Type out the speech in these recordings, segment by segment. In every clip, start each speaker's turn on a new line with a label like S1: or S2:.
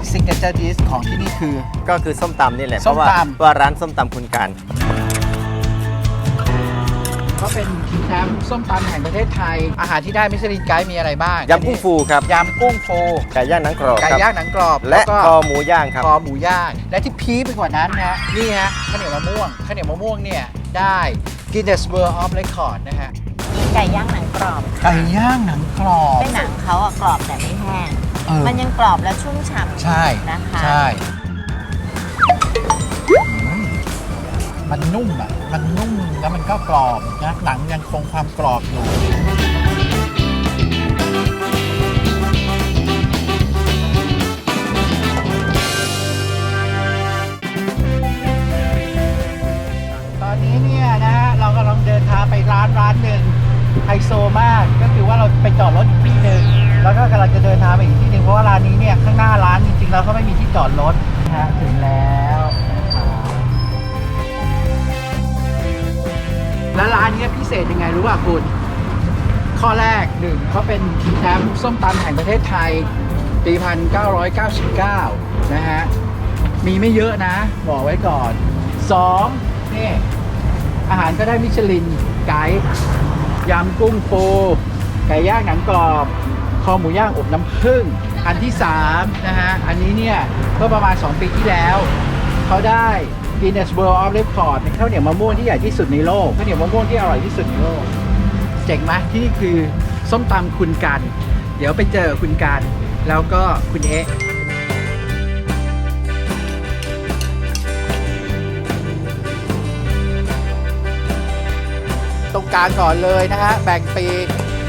S1: ซิกเนเจอร์ดิชของที่นี่คือ
S2: ก็คือส้มตำนี่แหละเพ
S1: ส้ม
S2: ราะ
S1: ตำ
S2: ว่าร้านส้มตำคุณการ
S1: ก็เป็นแชมป์ส้มตำแห่งประเทศไทยอาหารที่ได้มิชลินไกด์มีอะไรบ้าง
S2: ยำกุ้งฟูครับ
S1: ยำกุ้งฟู
S2: ไก่ย่างหนังกรอบ
S1: ไก่
S2: ครับ
S1: ย่างหนังกรอบ
S2: และ
S1: ก็
S2: คอหมูย่างครับ
S1: คอหมูย่างและที่พีคไปกว่านั้นนะนี่ฮะข้าวเหนียวมะม่วงข้าวเหนียวมะม่วงเนี่ยได้ Guinness World of Record นะฮะ
S3: มีไก่ย่างหนังกรอบ
S1: ไก่ย่างหนังกรอบ
S3: เป็นหนังเขาอะกรอบแต่ไม่แห้ง มันยังกรอบและชุ่มฉ่ำ
S1: ใช่
S3: นะคะ
S1: ใช่มันนุ่มอ่ะมันนุ่มแล้วมันก็กรอบนะหนังยังคงความกรอบอยู่ตอนนี้เนี่ยนะฮะเรากำลังเดินทางไปร้านหนึ่งไฮโซมากก็คือว่าเราไปจอดรถอยู่ที่หนึ่งแล้วก็กำลังจะเดินทางไปอีกที่หนึ่งเพราะว่าร้านนี้เนี่ยข้างหน้าร้านจริงๆแล้วเขาไม่มีที่จอดรถนะฮะถึงแล้วแล้วร้านนี้พิเศษยังไงรู้ป่ะคุณข้อแรกหนึ่งเขาเป็นแชมป์ส้มตำแห่งประเทศไทยปี 1999 นะฮะมีไม่เยอะนะบอกไว้ก่อน2นี่อาหารก็ได้มิชลินไกด์ยำกุ้งฟูไก่ย่างหนังกรอบคอหมูย่างอบน้ำผึ้งอันที่3นะฮะอันนี้เนี่ยเมื่อประมาณ2ปีที่แล้วเขาได้ Guinness World of Record เป็นข้าวเหนียวมะม่วงที่ใหญ่ที่สุดในโลกข้าวเหนียวมะม่วงที่อร่อยที่สุดในโลกเจ๋งไหมที่นี่คือส้มตำคุณกันเดี๋ยวไปเจอคุณกันแล้วก็คุณเอ๊ะตรงกลางก่อนเลยนะฮะแบ่งปีก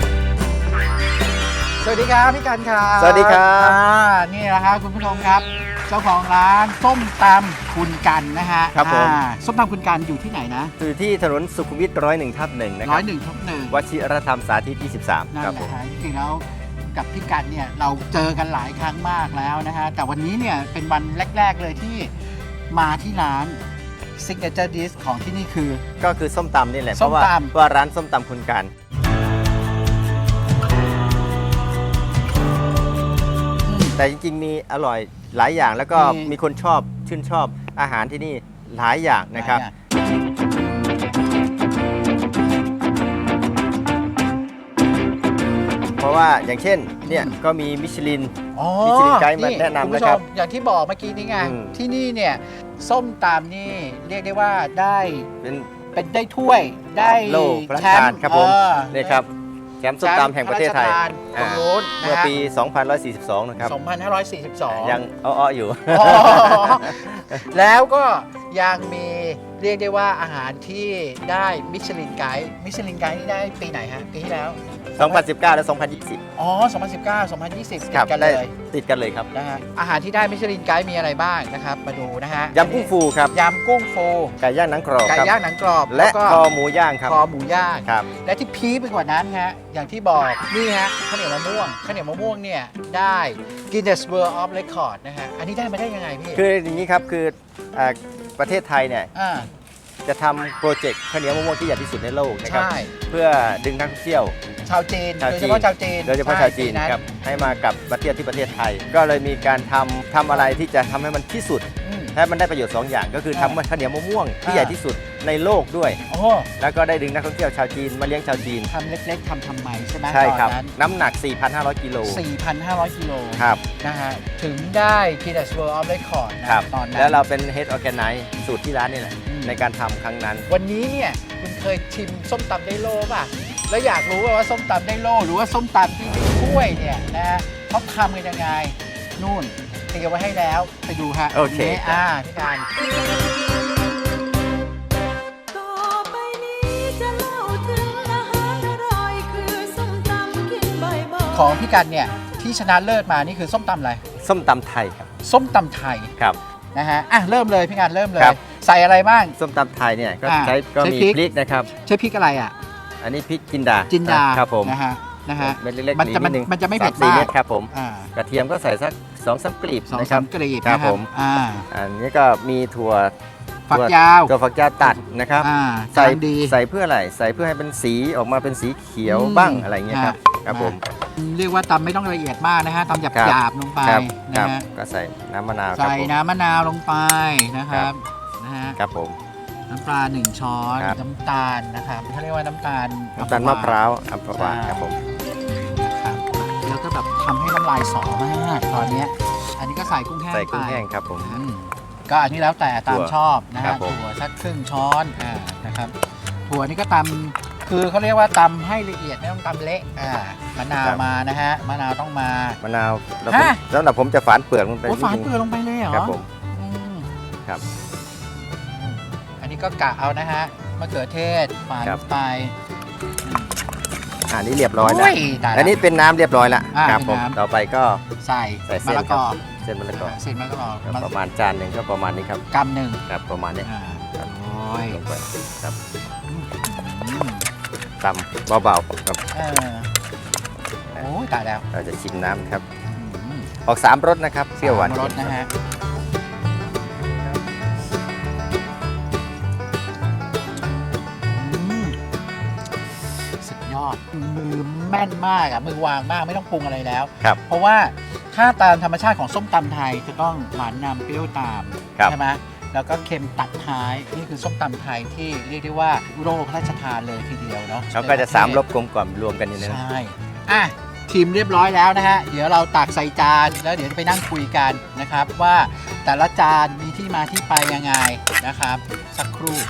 S1: สวัสดีครับพี่กันครับ
S2: สวัสดีครับ
S1: นี่แหละครับคุณผู้ชมครับเจ้าของร้านส้มตำคุณกันนะฮะ
S2: ครับผม
S1: ส้มตำคุณกันอยู่ที่ไหนนะ
S2: คือที่ถนนสุขุมวิท101/1นะค
S1: ร้
S2: รั
S1: อบ ยหนึ่งทับหนึ่ง
S2: วชิรธรรมสาธิต23
S1: นั่น
S2: ครับ
S1: แห
S2: ผม
S1: ละฮะจริงๆแล้วกับพี่กันเนี่ยเราเจอกันหลายครั้งมากแล้วนะฮะแต่วันนี้เนี่ยเป็นวันแรกๆเลยที่มาที่ร้าน Signature Dish ของที่นี่คือ
S2: ก็คือส้มตำนี่แหละเพ
S1: ส้ม
S2: ราะว่า
S1: ตำ
S2: ว่าร้านส้มตำคุณการแต่จริงๆมีอร่อยหลายอย่างแล้วก็มีคนชอบชื่นชอบอาหารที่นี่หลายอย่างนะครับ เพราะว่าอย่างเช่นเนี่ยก็มีมิชลิน
S1: อ๋อ
S2: มิชลินไกด์มาแนะนำ
S1: คุณ
S2: นะ
S1: ผู้ช
S2: ครับ
S1: มอย่างที่บอกเมื่อกี้นี้ไง
S2: อืม
S1: ที่นี่เนี่ยส้มตำนี่เรียกได้ว่าได้
S2: เป็น
S1: ได้ถ้วยได้
S2: โล่พระราชทานครับผม นี่ครับแชมป์ส้มตำแห่งประเทศไทย
S1: ตรงโน้นนะ
S2: เมื่อ
S1: ฮะ
S2: ปี 2542 นะครับ
S1: 2542
S2: ยังอ้อๆอยู่
S1: อ๋อแล้วก็ยังมีเรียกได้ว่าอาหารที่ได้มิชลินไกด์มิชลินไกด์นี่ได้ปีไหนฮะปีที่แล้ว
S2: 2019 และ 2020
S1: อ๋อ 2019 2020
S2: ครับ
S1: ติดกัน
S2: ได้
S1: เลย
S2: ติดกันเลยครับ
S1: นะฮะอาหารที่ได้มิชลินไกด์มีอะไรบ้างนะครับมาดูนะฮะ
S2: ยำกุ้งฟูครับ
S1: ยำกุ้งฟู
S2: ไก่ย่างหนังกรอบ
S1: ไก่
S2: ครับ
S1: ย่างหนังกรอบ
S2: และ
S1: ก็
S2: คอหมูย่างครับ
S1: คอหมูย่าง
S2: ครับ
S1: และที่พีคไปกว่านั้นฮะอย่างที่บอกนี่ฮะข้าวเหนียวมะม่วงข้าวเหนียวมะม่วงเนี่ยได้ Guinness World of Record นะฮะอันนี้ได้มาได้ยังไงพี่
S2: คืออย่างนี้ครับคือประเทศไทยเนี่ย
S1: อ่า
S2: จะทำโปรเจกต์ข้าวเหนียวมะม่วงที่ใหญ่ที่สุดในโลกนะครับ
S1: ใช่
S2: เพื่อดึงนักท่องเที่ยว
S1: ชาวจีน
S2: ชาว
S1: โดย
S2: จี
S1: เฉ
S2: น
S1: พาะชาวจีน
S2: โดยเฉพาะชาวจีน
S1: ใ
S2: ครับให้มากลับมาเที่ยวที่ประเทศไทย ก็เลยมีการทำอะไรที่จะทำให้มันที่สุด
S1: อืม
S2: ให้มันได้ประโยชน์ 2 อย่างก็คือทำข้าวเหนียวมะม่วงที่
S1: อ่า
S2: ใหญ่ที่สุดในโลกด้วย
S1: โอ้
S2: แล้วก็ได้ดึงนักท่องเที่ยวชาวจีนมาเลี้ยงชาวจีน
S1: ทำเล็กๆทำไมใช่ไหม
S2: ใช่ครับ
S1: ตอนนั้น
S2: น้ำหนัก 4,500 กิโล
S1: 4,500 กิโล
S2: ครับ
S1: นะฮะถึงได้ Guinness World of Record นะครับ ตอนนั้น
S2: แล้วเราเป็น Head Organize สูตรที่ร้านนี่แหละ
S1: อืม
S2: ในการทำครั้งนั้น
S1: วันนี้เนี่ยคุณเคยชิมส้มตำได้โล่ป่ะ แล้วอยากรู้ว่าส้มตำได้โล่หรือว่าส้มตำที่เป็นถ้วยเนี่ยนะฮะเขาทำกันยังไงนู่นเตรียมไว้ให้แล้วไปดูฮะ
S2: โอเค
S1: นี่พี่การ
S4: ต่อไปนี้จะเล่าถึงอาหารอร่อยคือส้มตำกินบ่อยๆ
S1: ของพี่กันเนี่ยที่ชนะเลิศมานี่คือส้มตำอะไร
S2: ส้มตำไทยครับ
S1: ส้มตำไทย
S2: ครับ
S1: นะฮะเริ่มเลยพี่กันเริ่มเลย
S2: ครับ
S1: ใส่อะไรบ้าง
S2: ส้มตำไทยเนี่ยก็
S1: อ่า
S2: ใช้ก็
S1: ใช้
S2: มี
S1: พริก
S2: พริกนะครับ
S1: ใช้พริกอะไรอ่ะ
S2: อันนี้พริกจินดา
S1: จินดา
S2: ครับผม
S1: นะฮะ
S2: เม็ดเล็กๆ
S1: มันจะ
S2: นิดนึง
S1: มันจะไม่เผ็ด
S2: 3-4
S1: มาก
S2: เม็ดครับผม
S1: อ่าก
S2: ระเทียมก็ใส่สัก2-3 กลีบ
S1: สอง
S2: นะค
S1: สา
S2: รับ
S1: มกรีบ
S2: ครับ
S1: นะ
S2: ผม อันนี้ก็มีถั่ว
S1: ฝักยาว
S2: ถั่วฝักยาวตัดนะครับ
S1: อ่า
S2: ใส่
S1: กำลังดี
S2: ใส่เพื่ออะไรใส่เพื่อให้เป็นสีออกมาเป็นสีเขียว
S1: อืม
S2: บ้างอะไรเงี้ยครับ
S1: ฮะ
S2: ครับผม
S1: เรียกว่าตำไม่ต้องละเอียดมากนะฮะตำห
S2: ครับ
S1: ยาบๆลงไป
S2: ครับ
S1: นะฮะ
S2: ก็ใส่น้ำมะนาวครับ
S1: ใส่
S2: ผม
S1: น้ำมะนาวลงไปนะครับนะฮะ
S2: ครับผม
S1: น้ำปลา1 ช้อน
S2: ครับ
S1: น้ำตาลนะครับเขาเรียกว่าน้ำตาล
S2: น้ำตาลมะพร้าวอัมพวาครับผม
S1: นะครับแล้วก็แบบทำให้น้ำลายสอมากตอนเนี้ยอันนี้ก็ใส่กุ้งแห้ง
S2: ใส่กุ้ง
S1: ไป
S2: แห้งครับผม
S1: ก็อันนี้แล้วแต่ตามชอบนะ
S2: ครั
S1: ฮะ
S2: บผม
S1: ถั่วสักครึ่งช้อนนะครับถั่วนี่ก็ตำคือเขาเรียกว่าตำให้ละเอียดไม่ต้องตำเละมะนาวมานะฮะมะนาวต้องมาม
S2: ะนาวแล้ว
S1: ฮะ
S2: แล้วเดี๋ยวผมจะฝานเปลือกลงไป
S1: โอ้
S2: นิด
S1: ฝาน
S2: นึง
S1: เปลือกลงไปเลยเหรอ
S2: ครับผม
S1: อืม
S2: ครับ
S1: อันนี้ก็กะเอานะฮะมะเขือเทศฝาน
S2: ครับ
S1: ไป
S2: อันนี้เรียบร้อยแล้ว
S1: โตาย
S2: อันนี้เป็นน้ำเรียบร้อยแล้ว ครับ
S1: เป็น
S2: ผม
S1: น้ำ
S2: ต่อไปก็
S1: ใส่
S2: ใส่
S1: มะ
S2: เส้น
S1: ละ
S2: ค
S1: ก
S2: รั
S1: อบ
S2: เส้นมะละกอ
S1: เส้นมะละกอ
S2: ครับประมาณจานหนึ่งก็ประมาณนี้ครับ
S1: กำหนึ่ง
S2: ครับประมาณนี้ ครับ
S1: โอ้ย
S2: ลงไปครับ
S1: อืม
S2: ตำเบาๆครับ
S1: โอ้ยตายแล้ว
S2: เราจะชิมน้ำครับ
S1: อืม
S2: ออก3รสนะครับเปรี้ยวหวาน
S1: รสนะฮะอืมสุดยอดมือแม่นมากมือวางมากไม่ต้องปรุงอะไรแล้ว
S2: ครับ
S1: เพราะว่าถ้าตามธรรมชาติของส้มตำไทยจะต้องหวานนำเปรี้ยวตาม
S2: ครับ
S1: ใช่ไหมแล้วก็เค็มตัดท้ายนี่คือส้มตำไทยที่เรียกได้ว่าโลกพระราชทานเลยทีเดียวเนาะ
S2: แล้วก็จะ3รสกลมกล่อมรวมกันอยู่ในนั้น
S1: ใช่อ่ะชิมเรียบร้อยแล้วนะฮะเดี๋ยวเราตักใส่จานแล้วเดี๋ยวไปนั่งคุยกันนะครับว่าแต่ละจานมีที่มาที่ไปยังไงนะครับสักครู่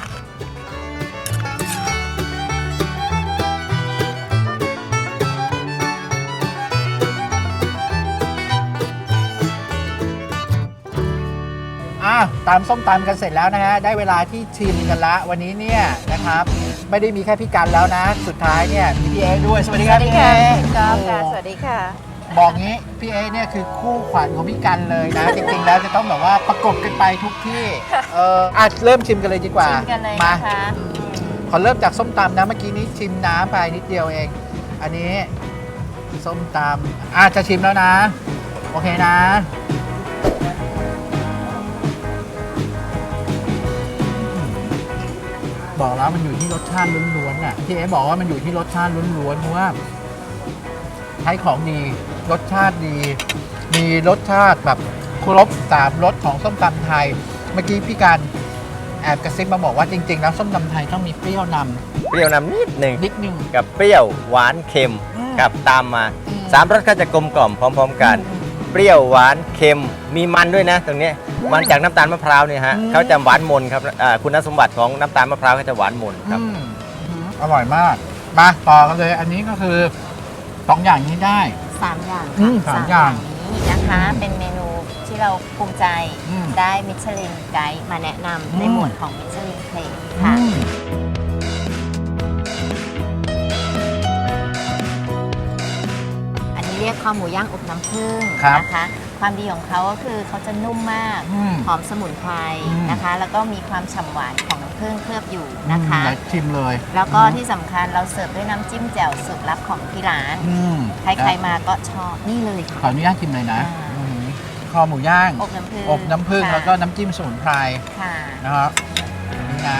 S1: ตามส้มตำกันเสร็จแล้วนะฮะได้เวลาที่ชิมกันละวันนี้เนี่ยนะครับไม่ได้มีแค่พี่กันแล้วนะ สุดท้ายเนี่ยมีพี่เอด้วยสวัสดีครับพี่เอ
S3: จอมค่ะ สวัสดีค่ะ
S1: บอกงี้พี่เอเนี่ยคือคู่ขวัญของพี่กันเลยนะ จริงๆแล้วจะต้องแบบว่าประกบกันไปทุกที่เริ่มชิมกันเลยดีกว่า
S3: ชิมกันเลย
S1: มา
S3: นะคะ
S1: ขอเริ่มจากส้มตำนะเมื่อกี้นี้ชิมน้ำไปนิดเดียวเอง อันนี้ส้มตำจะชิมแล้วนะโอเคนะบอกแล้วมันอยู่ที่รสชาติล้วนๆน่ะพี่เอบอกว่ามันอยู่ที่รสชาติล้วนๆเพราะว่าใช้ของดีรสชาติดี มีรสชาติแบบครบ3รสของส้มตำไทย เมื่อกี้พี่การแอบกระซิบมาบอกว่าจริงๆแล้วส้มตำไทยต้องมีเปรี้ยวน
S2: เปรี้ยวนำนิดหนึ่ง
S1: ำนิดนึง
S2: กับเปรี้ยวหวานเค็ม
S1: อืม
S2: กับตามมา
S1: อืม
S2: 3รสก็จะกลมกล่อมพร้อม ๆ กัน เปรี้ยวหวานเค็มมีมันด้วยนะตรงนี้มันจากน้ำตาลมะพร้าวเนี่ยฮะเขาจะหวานมนครับคุณสมบัติของน้ำตาลมะพร้าวเขาจะหวานมนครับ
S1: อร่อยมากมาต่อกันเลย อันนี้ก็คือ2อย่างนี้ได้
S3: 3 อย่าง
S1: อืม
S3: ค่ะ
S1: สามอย่าง
S3: นี้นะคะ เป็นเมนูที่เราภูมิใจ
S1: อืม
S3: ได้มิชลินไกด์มาแนะนำใน
S1: อืม
S3: หมวดของมิชลินเพลงค่ะ อันนี้เรียกคอหมูย่างอบน้ำผึ้ง
S1: ครับ
S3: นะคะ ความดีของเขาก็คือเขาจะนุ่มมาก
S1: อืม
S3: หอมสมุนไพร
S1: อืม
S3: นะคะ แล้วก็มีความฉ่ำหวานของน้ำผึ้งเคลือบอยู่นะคะ
S1: ไหชิมเลย
S3: แล้วก็ที่สำคัญเราเสิร์ฟด้วยน้ำจิ้มแจ่วสูตรลับของที่ร้าน
S1: อืม
S3: ใครๆมาก็ชอบนี่เลย
S1: ขอ
S3: ค่ะ
S1: อนุญาตชิมเลยนะ
S3: อ่า
S1: อืมคอหมูย่าง
S3: อบน้ำผึ้ง
S1: อบน้ำผึ้ง
S3: ค่ะ
S1: แล้วก็น้ำจิ้มสมุนไพร
S3: ค่ะ
S1: นะครับอันนี้นะ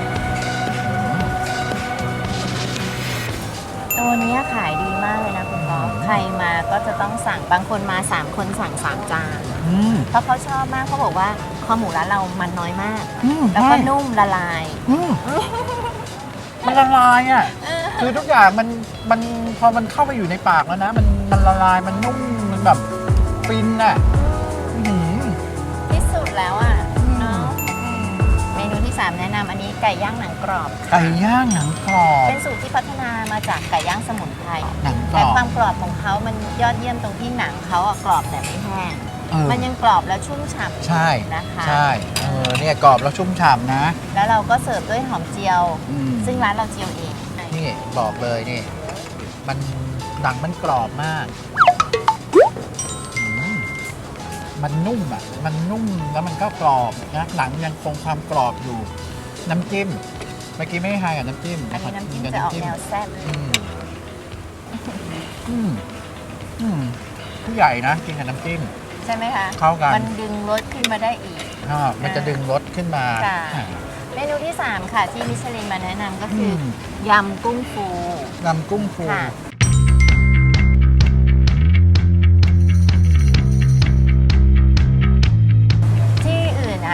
S3: ตัวนี้ขายดีมากเลยนะคุณก๊อฟใครมาก็จะต้องสั่งบางคนมา 3 คนสั่ง 3 จาน
S1: อืม
S3: เพราะเขาชอบมากเขาบอกว่าคอหมูร้านเรามันน้อยมาก
S1: อืม
S3: แล้วก็
S1: ใช่
S3: นุ่มละลาย
S1: อืมมันละลายอ่ะ คือทุกอย่างมันพอมันเข้าไปอยู่ในปากแล้วนะ มันละลายมันนุ่มมันแบบฟินอ่ะอื้อหือ
S3: ที่สุดแล้วอ่ะเนาะเมนูที่ 3 แนะนำอันนี้ไก่ย่างหนังกรอบ
S1: ไก่ย่างหนังกรอบ
S3: เป็นสูตรที่พัฒนามาจากไก่ย่างสมุนไพร
S1: หนังกร
S3: แต่
S1: อบ
S3: ความกรอบของเขามันยอดเยี่ยมตรงที่หนังเขาอะกรอบแต่ไม่แห้ง
S1: เออ
S3: มันยังกรอบแล้วชุ่มฉ่ำ
S1: ใช่
S3: นะคะ
S1: ใช่เนี่ยกรอบแล้วชุ่มฉ่ำนะ
S3: แล้วเราก็เสิร์ฟด้วยหอมเจียว
S1: อืม
S3: ซึ่งร้านเราเจียวเอง
S1: นี่บอกเลยนี่ มันหนังมันกรอบมากอืมมันนุ่มอ่ะ มันนุ่มแล้วมันก็กรอบนะหนังยังคงความกรอบอยู่ น้ำจิ้มเมื่อกี้ไม่ให้ทานกับน้ำจิ้ม
S3: อันนี้น้ำจิ้ม
S1: กับ
S3: จะออกแนวแซ่บ
S1: อืมอืมอืมผู้ใหญ่นะกินกับน้ำจิ้ม
S3: ใช่ไหมคะ
S1: เข้ากัน
S3: มันดึงรสขึ้นมาได้อีก
S1: มันจะดึงรสขึ้นมา
S3: ค่ะ เมนูที่ 3 ค่ะ ที่มิชลินมาแนะนำก็คืออยำกุ้งฟู
S1: นำกุ้งฟู
S3: ค่ะ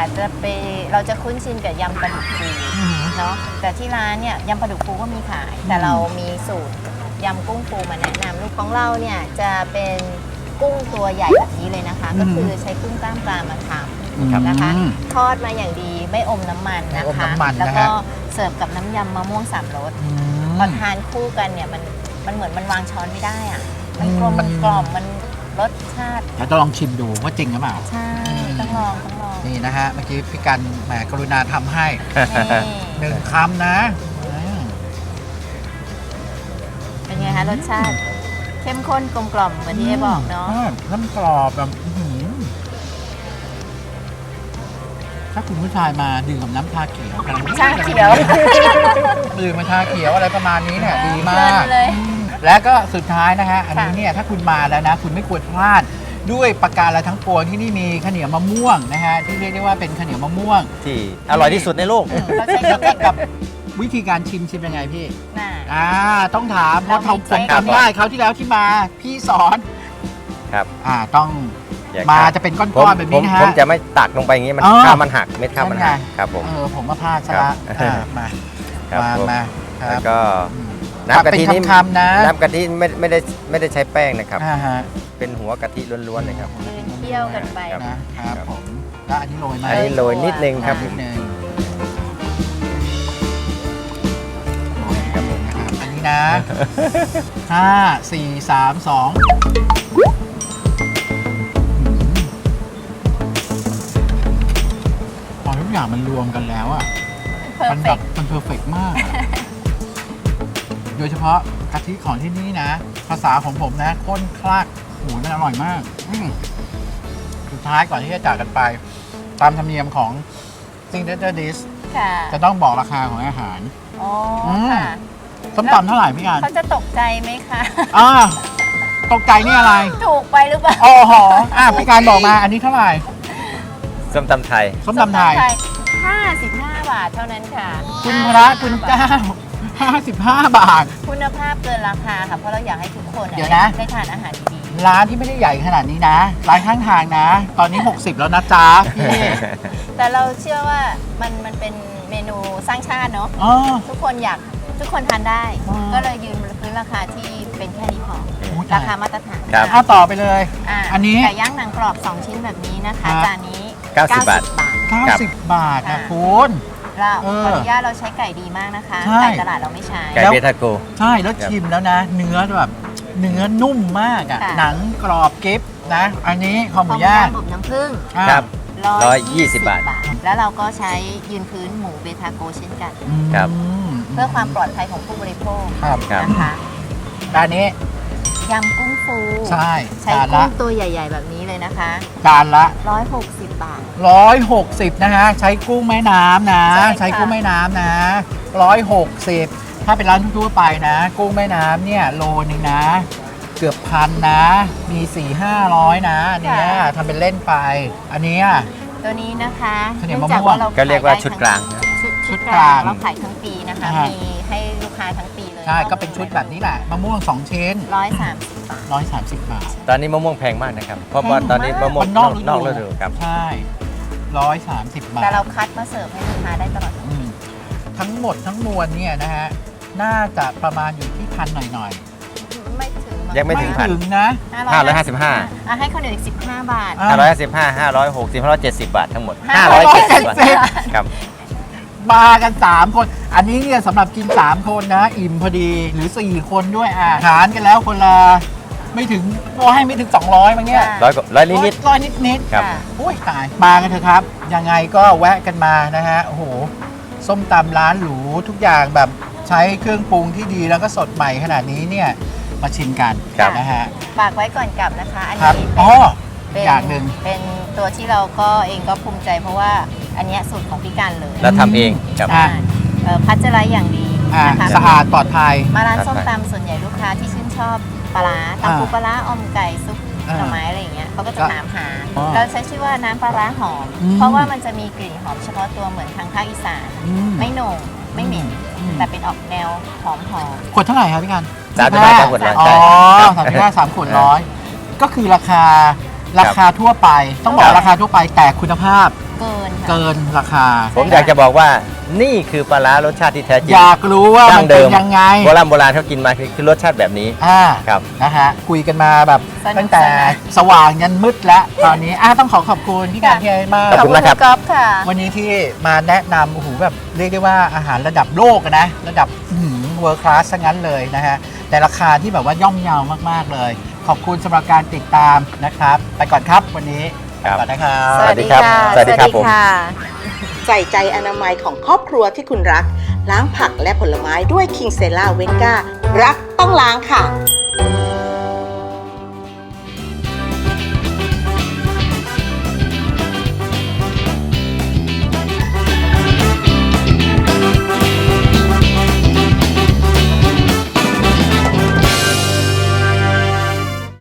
S3: เราจะคุ้นชินกับยำปลาดุกฟูเนาะแต่ที่ร้านเนี่ยยำปลาดุกฟูก็มีขาย แต่เรามีสูตรยำกุ้งฟูมาแนะนำลูกของเราเนี่ยจะเป็นกุ้งตัวใหญ่แบบนี้เลยนะคะ ก็คือใช้กุ้งกล้ามปลามาทำนะคะทอดมาอย่างดีไม่อมน้ำมันนะคะแล้วก็เสิร์ฟกับน้ำยำมะม่วง3 รสพอทานคู่กันเนี่ยมันเหมือนมันวางช้อนไม่ได้อ่ะมันกลมกล่อมมันรสชาติ
S1: เดี๋ยวต้องลองชิมดูว่าจริงหรือเปล่า
S3: ใช่ต้องลอง
S1: นี่นะฮะเมื่อกี้พี่กันแหมกรุณาทำให้
S3: นี่
S1: 1 คำนะ
S3: เป็นไงคะรสชาติ เข้มข้นกลมกล่อมเหมือนที่เอบอกเนาะ
S1: น้ำกรอบแบบอื้อหือถ้าคุณผู้ชายมาดื่มกับน้ำชาเขียวกัน
S3: ชาเขียว
S1: ดื่มกับชาเขียวอะไรประมาณนี้เนี่ยดีมาก
S3: เลย
S1: และก็สุดท้ายนะฮะอันนี้เนี่ยถ้าคุณมาแล้วนะ คุณไม่ควรพลาดด้วยประการอะไรทั้งปวงที่นี่มีข้าวเหนียวมะม่วงนะฮะที่เรียกได้ว่าเป็นข้าวเหนียวมะม่วง
S2: ที่อร่อยที่สุดในโลก
S3: เราใช้
S1: แล้ว
S3: เท
S1: ก็
S3: คนิค
S1: กับวิธีการชิมยังไงพี่
S3: น่ะ
S1: ต้องถามเพราะ
S3: เรามี
S1: ผม
S3: เทคนิค
S1: จำได้เขาวที่แล้วที่มาพี่สอน
S2: ครับ
S1: ต้อง
S2: อย่
S1: มา
S2: ขาด
S1: จะเป็นก้
S2: ผม
S1: อนๆแบบนี้นะฮะ
S2: ผมจะไม่ตักลงไปอย่างนี้มัน
S1: อ๋อ
S2: ข้าวมันหักเม็ดข้าวมันหัก
S1: นั่นไง
S2: ครับผม
S1: ผมมาพลาดซะละ
S2: ครับ
S1: มา
S2: ครับผม
S1: มาค
S2: แล้
S1: รั
S2: ว
S1: บ
S2: ก็
S1: อืม
S2: น้ำกะทินี่
S1: เป็นคำๆนะ
S2: น้ำกะทิไม่ได้ใช้แป้งนะครับ
S1: ฮะ
S2: เป็นหัวกะทิล้วนๆเลยครับ
S3: ยืนเที่ยวกันไป
S2: ครับ
S1: นะครับผมแล้วอันนี้โรยไหม
S2: อันนี้โรยนิดนึงครับผ
S1: นิ
S2: ม
S1: ดนึงโรยครับผมนะครับอันนี้นะ 5 4 3 2พอทุกอย่างมันรวมกันแล้วอ่ะ
S3: เพอ
S1: มั
S3: ร์
S1: น
S3: เฟ
S1: แบ
S3: ก
S1: บมันเพอร์เฟกมากอะโดยเฉพาะกะทิของที่นี่นะ ภาษาของผมนะข้นคลักโหมันอร่อยมากสุดท้ายก่อนที่จะจากกันไป ตามธรรมเนียมของ Signature Dish
S3: ค่ะ
S1: จะต้องบอกราคาของอาหาร
S3: อ๋อ
S1: ม
S3: ค่ะ
S1: ส้มตำเท่าไหร่พี่การ
S3: เขาจะตกใจไหมคะ
S1: อ่าตกใจนี่อะไร
S3: ถูกไปหรือเปล่า
S1: อ๋อหอพี่การบอกมาอันนี้เท่าไหร่
S2: ส้มตำไทย
S1: ส้มตำไทย
S3: 55 บาทเท่านั้นค่ะ
S1: คุณพระคุณเจ้า 55 บาท
S3: คุณภาพเกินราคาค่ะ เพราะเราอยากให้ทุกคน
S1: เดี๋ยวนะ
S3: ได้ทานอาหารดี
S1: ร้านที่ไม่ได้ใหญ่ขนาดนี้นะ ร้านข้างทางนะ ตอนนี้ 60 แล้วนะจ๊ะพี่
S3: ๆ แต่เราเชื่อว่ามันเป็นเมนูสร้างชาติเนาะ
S1: อ๋อ
S3: ทุกคนทานได้
S1: อ๋อ
S3: ก็เลยยืนพื้นราคาที่เป็นแค่นี้พอ
S1: โอ้ย
S3: ราคามาตรฐาน
S2: ครับ
S1: เอาต่อไปเลย อันนี้
S3: ไก่ย่างหนังกรอบ 2 ชิ้นแบบนี้นะคะ
S1: ครับ
S3: จานนี้
S2: 90 บาท
S1: 90 บาทนะ
S3: ค่ะ
S1: คุณ
S3: เรา
S1: เออ
S3: ขออนุญาตเราใช้ไก่ดีมากนะคะ
S1: ใช่
S3: ไก่ตลาดเราไม่ใช้
S2: ไก่เบทาโก
S1: ใช่แล้วชิมแล้วนะ เนื้อแบบเนื้อนุ่มมากอ่ะ
S3: ค่ะ
S1: หนังกรอบกริบนะ อันนี้คอห
S3: ข้
S1: มู
S3: วหมู
S1: ย่า
S3: ย่าง งอบน้ำผึ้ง
S1: อ่ะ
S2: ครับ
S3: 120
S2: บาท
S3: แล้วเราก็ใช้ยืนพื้นหมูเบทาโกเช่นกัน
S2: ครับ
S3: เพื่อความปลอดภัยของผู้บริโภค
S1: ครับ
S2: ครับ
S3: นะคะ
S1: ด้านนี้
S3: ยำกุ้งฟู
S1: ใช่
S3: ใช้
S1: จาน
S3: กุ้
S1: ละ
S3: งตัวใหญ่ ๆ แบบนี้เลยนะคะ
S1: จานละ
S3: 160 บาท
S1: 160 นะฮะ ใช้กุ้งแม่น้ำนะ
S3: ใช่ค่ะ
S1: ใช้กุ้งแม่น้ำนะ 160 ถ้าเป็นร้านทั่วๆไปนะ กุ้งแม่น้ำเนี่ยโลนึงนะ เกือบพันนะ มี 4-500 นะอันเนี้ยทำเป็นเล่นไป อันเนี้ย
S3: ตัวนี้นะคะ
S1: ข้าวเหนียว
S3: นื่องจาก
S1: มะม่วง
S3: เรา
S2: ก็เรียกว่า
S3: ขได้
S2: ชุดกลาง
S3: ชุด
S1: ก
S3: ก
S1: ลา
S3: ลาง งเราขายทั้งปีนะคะ
S1: อ่าฮะ
S3: มีให้ลูกค้าทั้งปีเลย
S1: ใช่ ก็เป็นชุดแบบนี้แหละ มะม่วง 2 ชิ้น
S3: 130 บาท
S1: 130 บาท
S2: ตอนนี้มะม่วงแพงมากนะครับ เพราะว่าตอนนี้มะม่วง
S1: มัน
S2: น
S1: น
S2: อ
S1: อก กฤดู
S2: ฤดูครับ
S1: ใช่ 130 บาท
S3: แต่เราคัดมาเสิร์ฟให้ลูกค้าได้ตลอด
S1: อืมทั้งหมดทั้งมวลเนี่ยนะฮะ น่าจะประมาณอยู่ที่พันหน่อย
S3: ไม่ถึง
S2: ยังไม่ถึงพัน
S1: ถึงนะ
S2: 555
S3: อ่ะให้ข้าวเหนียวอีก15 บาท
S1: อ่ะ
S2: 555 560 570 บาททั้งหมด
S1: 570
S2: บาทครับ
S1: มากัน 3 คน อันนี้เนี่ยสำหรับกิน 3 คนนะ อิ่มพอดีหรือ 4 คนด้วยหารกันแล้วคนละไม่ถึงก็ให้ไม่ถึง 200มั้งเนี่ย
S3: ค่ะ
S2: ร้อยนิด
S1: ร้อยนิด
S2: ครับ
S3: ค่ะ
S1: โอ้ยตาย มากันเถอะครับ ยังไงก็แวะกันมานะฮะ โอ้โห ส้มตำร้านหรูทุกอย่างแบบใช้เครื่องปรุงที่ดีแล้วก็สดใหม่ขนาดนี้เนี่ย มาชิมกัน
S2: ครับ
S1: นะฮะ
S3: ฝากไว้ก่อนกลับนะคะ อัน
S1: ครับ
S3: นี้
S1: อ๋อ
S3: เป็น
S1: อย่างหนึ่ง
S3: เป็นตัวที่เราก็เองก็ภูมิใจเพราะว่าอันเนี้ยสูตรของพี่การเลย
S2: แล้วทำเองครับ
S1: อ่ะ
S3: พัชเจอร์ไลท์อย่างดีนะคะ
S1: สะอาดปลอดภัย
S3: มาร้านส้ม
S2: ครับ
S3: ตำส่วนใหญ่ลูกค้าที่ชื่นชอบปลาร้าตำปูปลาร้าอมไก่ซุปหน่อไม้อะไรอย่างเงี้ยเขาก็จะถามหา
S1: อ๋อ
S3: เราใช้ชื่อว่าน้ำปลาร้าหอม
S1: อืม
S3: เพราะว่ามันจะมีกลิ่นหอมเฉพาะตัวเหมือนทางภาคอีสาน
S1: อืม
S3: ไม่โหน่งไม่เหม็น
S1: อืม
S3: แต่เป็นออกแนวหอม
S1: ขวดเท่าไหร่ครับพี่กัน
S2: 35 ขวดร้อย
S1: อ๋อ
S2: ใช่
S1: 35 3 ขวดร้อยก็คือราคาทั่วไป ต้องบอกราคาทั่วไปแต่คุณภาพ
S3: เกินค่ะ
S1: เกินราคา
S2: ผมอยากจะบอกว่านี่คือปลาร้ารสชาติที่แท้จริง
S1: อยากรู้ว่า
S2: ดั้
S1: มัน
S2: งเดิ
S1: เป็น
S2: ม
S1: ยังไง
S2: โบราณเขากินมาคือรสชาติแบบนี้ ครับ
S1: นะฮะคุยกันมาแบบ
S3: สนุก
S1: ตั้งแต่
S3: สนาน
S1: สว่างยันมืดแล้วตอนนี้ต้องขอบคุณพี่การพี่ไอ้มาก
S2: ขอบคุณมากครับ
S3: ก๊อฟค่ะ
S1: วันนี้ที่มาแนะนำโอ้โหแบบเรียกได้ว่าอาหารระดับโลกอะนะระดับเวิร์คลาสซะงั้นเลยนะฮะแต่ราคาที่แบบว่าย่อมเยาวมากๆเลย ขอบคุณสำหรับการติดตามนะครับ ไปก่อนครับวันนี้
S2: ครับ
S1: ไปก่อนนะครับ
S2: สวัสดีครับสวัสดีครับผม
S5: ใส่ใจอนามัยของครอบครัวที่คุณรัก ล้างผักและผลไม้ด้วยคิงเซล่าเวนการักต้องล้างค่ะ